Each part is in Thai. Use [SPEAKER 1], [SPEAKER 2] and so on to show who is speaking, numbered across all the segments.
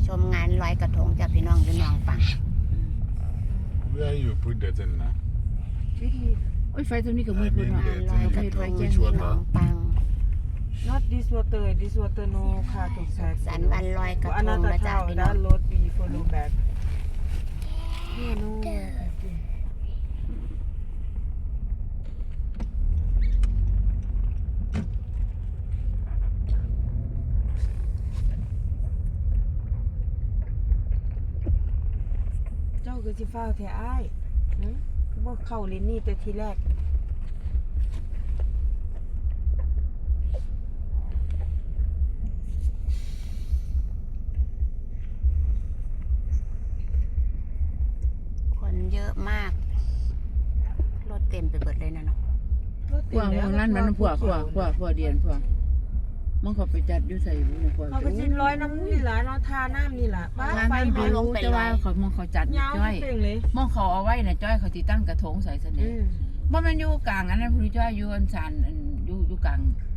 [SPEAKER 1] ชมงานลอยกระทงจากพี่น้องพี่น้องฟัง
[SPEAKER 2] Where you put that in now?
[SPEAKER 3] โอ้ยไฟตัวนี้กับมือคนเนาะ
[SPEAKER 1] งานลอยกระทงพี่น้องฟัง
[SPEAKER 4] Not this water no car to sack
[SPEAKER 1] สันวันลอยกระทง
[SPEAKER 4] Another
[SPEAKER 1] นะจ๊ะ
[SPEAKER 4] town
[SPEAKER 1] พี่น้อง
[SPEAKER 4] that road we follow back no เจ้าคือสิฟ้าวแท้อ้ายคือบ่เข้าเลนนี่แต่ทีแรก
[SPEAKER 1] คนเยอะมากรถเต็มไปเบิดเลยนะเนาะ
[SPEAKER 3] พวกนั่นมันพวกเดียนพวกมันเขาไปจัดอยู่ใส่บุญพวก
[SPEAKER 4] เขาก็สิร้อยน้ำนี่ล่ะเนาะทาน้ำนี่ล่ะป้า
[SPEAKER 3] ร้าน
[SPEAKER 4] ไฟ
[SPEAKER 3] นั้น
[SPEAKER 4] ไหม้
[SPEAKER 3] รู้แต่ว่าเขามองเขาจัด
[SPEAKER 4] ยาว
[SPEAKER 3] จ้อย
[SPEAKER 4] เป่งเลย
[SPEAKER 3] มองเขาเอาไว้น่ะจ้อยเขาติตั้งกระทงใส่เสน่ห์ว่ามันอยู่กลางอันนั้นพี่จ้อยอยู่อันสานอยู่กลาง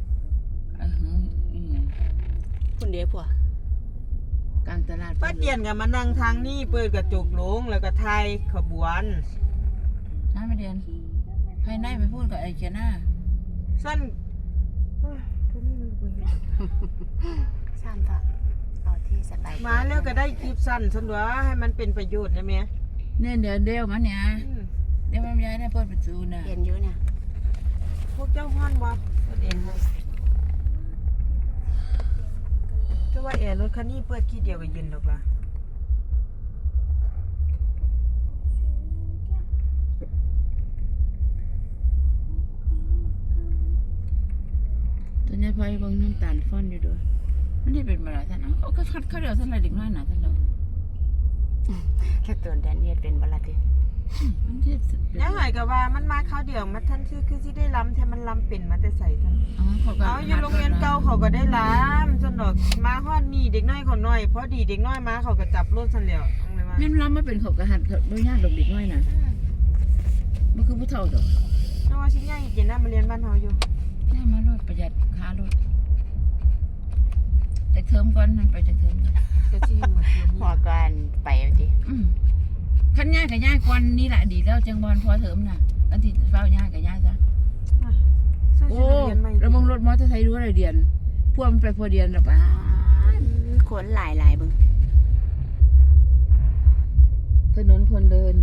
[SPEAKER 1] คนเดียวผัว
[SPEAKER 3] กลางตลาด
[SPEAKER 4] ป้าเตียนกับมานั่งทางนี่เปิดกระจกลงแล้วก็ถ่ายขบวน
[SPEAKER 3] น้าไม่เดียนภายในไปพูดกับไอ้เจน่า
[SPEAKER 4] สั้นตัวนี้มันบ่เห็น
[SPEAKER 1] สั้นต่อเอาที่สบาย
[SPEAKER 4] มาแล้วก็ได้คลิปสั้นซั่นว่าให้มันเป็นประโยชน์นะแม่
[SPEAKER 3] เนี่ยเดี๋ยวมันเนี่ยเดี๋ยวมันย้ายได้เปิดประตูน่ะ
[SPEAKER 1] เห็นอยู่เนี่ย
[SPEAKER 4] พวกเจ้าฮ้อนบ่ตัวเองก็ว่าแอร์รถคันนี้เปิดขี้เดียวก็เย็นดอกล่ะ
[SPEAKER 3] ตอนนี้พอยบางน้ำตาลฟ้อนอยู่ด้วยมันได้เป็นมาหลายท่านเขาก็คัดเขาเดียวท่านอะไรเด็กน้อยหนาท่านเรา
[SPEAKER 1] แค่ตัวแดนเนียดเป็นบลาติ
[SPEAKER 3] มันที่
[SPEAKER 4] ยังไงก็ว่ามันมาคราวเดียวมันท่านคือสิได้ล้ำแท้มันล้ำเป็นมาแต่ใส่ท่าน เอาอยู่โรงเรียนเก่าเขาก็ได้ล้ำจนดอกมาฮอดนี่เด็กน้อยเขาน้อยพอดีเด็กน้อยมาเขาก็จับรถซั่นแล้วเอาเลยว่า
[SPEAKER 3] แม่นล้ำมาเป็นเขากระหัดเขาไม่ยากดอกเด็กน้อยน่ะมันคือผู้เฒ่าดอก
[SPEAKER 4] แต่ว่าชิ้นใหญ่เย็นนะมาเรียนบ้านเฮาอยู่
[SPEAKER 3] ได้มารถประหยัดค่ารถแต่เทอมก่อนมันไปจะเทอม
[SPEAKER 4] ก็สิเหมือนเดิม
[SPEAKER 1] พอกันไปที
[SPEAKER 3] ขั้นย่ายกับย่ายก่อนนี่แหละดีแล้วจังบอลพอเทอมน่ะอันที่เฝ้าย่ายกับย่ายซะ
[SPEAKER 4] ซื้อ
[SPEAKER 3] โอ้
[SPEAKER 4] ชุดนักเรียนใหม่
[SPEAKER 3] ระวังรถมอเตอร์ไซค์รู้อะไรเดียนพวกมันไปพอเดียนหรอปะ
[SPEAKER 1] คนหลายบึง
[SPEAKER 3] ถนนคนเดิน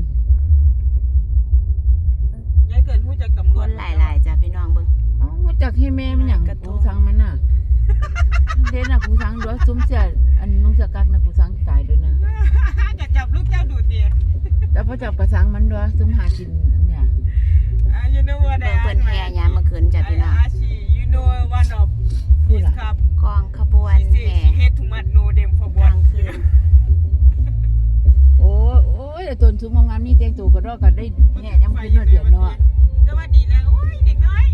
[SPEAKER 4] ยายเกิดฮู้จักตำร
[SPEAKER 1] คว
[SPEAKER 4] จ
[SPEAKER 1] นหลายจ้ะพี่น้องบึง
[SPEAKER 3] อ๋อจากให้แม่มันอย่าง
[SPEAKER 1] กระทง
[SPEAKER 3] กูสังมันน่ะเด่นน่ะกูสังด้วยซุ้มเสียอันนุ่งเสื้อกั๊กน่ะกูสังตายด้วยน่ะ
[SPEAKER 4] จะจับลูกเจ้าดูดติ
[SPEAKER 3] แล้วพอจับกระสังมันด้วยซุ้มหากินเนี่ย
[SPEAKER 4] you know what
[SPEAKER 1] เบิ่งเพิ่นแห่ยามเมื่อคืนจ้ะพี่น้อง
[SPEAKER 4] you know one of this cup
[SPEAKER 1] กองขบวนแห่
[SPEAKER 4] head too much no them for
[SPEAKER 1] กลางคืน
[SPEAKER 3] โอ้ยแต่ตนซุ้มงามนี่เตียงตู่ก็รอกันได้แง่ยังขึ้นเดือนเนาะ
[SPEAKER 4] แต่ว่าดีแล้วโอ้ยเด็กน้อย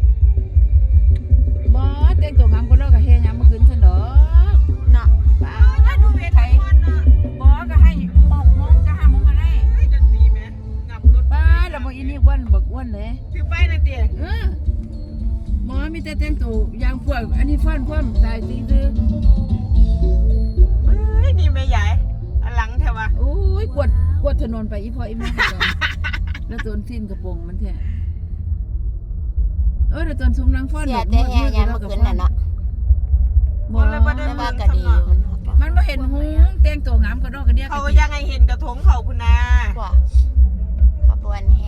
[SPEAKER 3] บ่เตียงตู่งามก็รอกับแห่ยังมาขึ้นซะดอก
[SPEAKER 1] เนาะ
[SPEAKER 3] ป้า
[SPEAKER 4] ถ้าดูเวทีคนน่ะ
[SPEAKER 3] บ่ก็ให้มองก็หามึงก็ได้
[SPEAKER 4] เฮ้ยดนตรีแม่งับรถ
[SPEAKER 3] ป้าแล้วบ่อีนี่อ้วนบักอ้วนเลย
[SPEAKER 4] ถือไปนะเตี้ย
[SPEAKER 3] หมอมีแต่เตียงตู่ยางพวกอันนี้ฟ้อนพร้อมตายตีดื้อ
[SPEAKER 4] เฮ้ยนี่แม่ใหญ่อันหลังแถวะ
[SPEAKER 3] โอ้ยกวดถนนไปอีพ่ออีแม่ก่อนแล้วตนสิ้นกระโปรงมันแท้แล้วตนซุ้มนางฟ้อน
[SPEAKER 1] เสียแต่แห่ยามเมื่อคืนน่ะเนาะ
[SPEAKER 3] บ่
[SPEAKER 1] แต่ว่าก็ดี
[SPEAKER 3] มันบ่เห็นหูแต่งตัวงามก็ดอกกระเดีย
[SPEAKER 4] เขายังไงเห็นกระทงเขาพุ่นนา
[SPEAKER 1] กว่าขบวนแห่